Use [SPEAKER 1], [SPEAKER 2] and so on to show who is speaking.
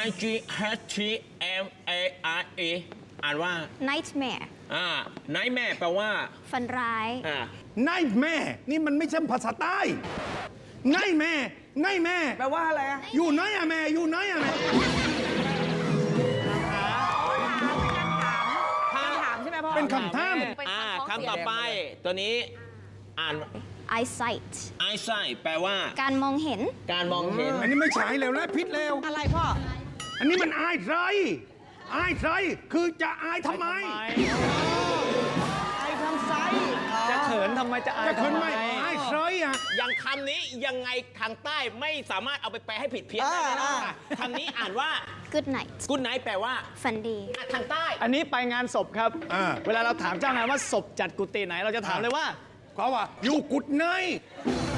[SPEAKER 1] I G H T M A R E อ่านว่า
[SPEAKER 2] nightmare
[SPEAKER 1] nightmare แปลว่า
[SPEAKER 2] ฝันร้าย
[SPEAKER 3] ไนแม่นี่มันไม่ใช่ภาษาใต้ไนแม่
[SPEAKER 4] แปลว่าอะไรอะ
[SPEAKER 3] อยู่ไหนอะแม่อยู่ไหนอะแม่
[SPEAKER 4] ถามใช่ไหมพ่อ
[SPEAKER 3] เป็นคำถาม
[SPEAKER 1] คำต่อไปตัวนี้อ่าน
[SPEAKER 2] eyesight
[SPEAKER 1] eyesight แปลว่า
[SPEAKER 2] การมองเห็น
[SPEAKER 1] การมองเห็น
[SPEAKER 3] อันนี้ไม่ใช่แล้วนะพิษแล้ว
[SPEAKER 4] อะไรพ่อ
[SPEAKER 3] อันนี้มันอายใครคือจะอายทำไม
[SPEAKER 4] ไอทำไซส์
[SPEAKER 5] จะเขินทำไมจะอาย
[SPEAKER 3] จะขึ้น
[SPEAKER 5] ทำ
[SPEAKER 3] ไหมอายใครอ่ะ
[SPEAKER 1] อย่างคำนี้ยังไงทางใต้ไม่สามารถเอาไปแปลให้ผิดเพี้ยนได้แน่นอนค่ะคำนี้อ่านว่า
[SPEAKER 2] good night
[SPEAKER 1] good night แปลว่า
[SPEAKER 2] ฝันดี
[SPEAKER 1] ทางใต้
[SPEAKER 5] อันนี้ไปงานศพครับ เวลาเราถามเจ้างานว่าศพจัดกุฏิไหนเราจะถามเลยว่า
[SPEAKER 3] เขาว่าอยู่กุดไหน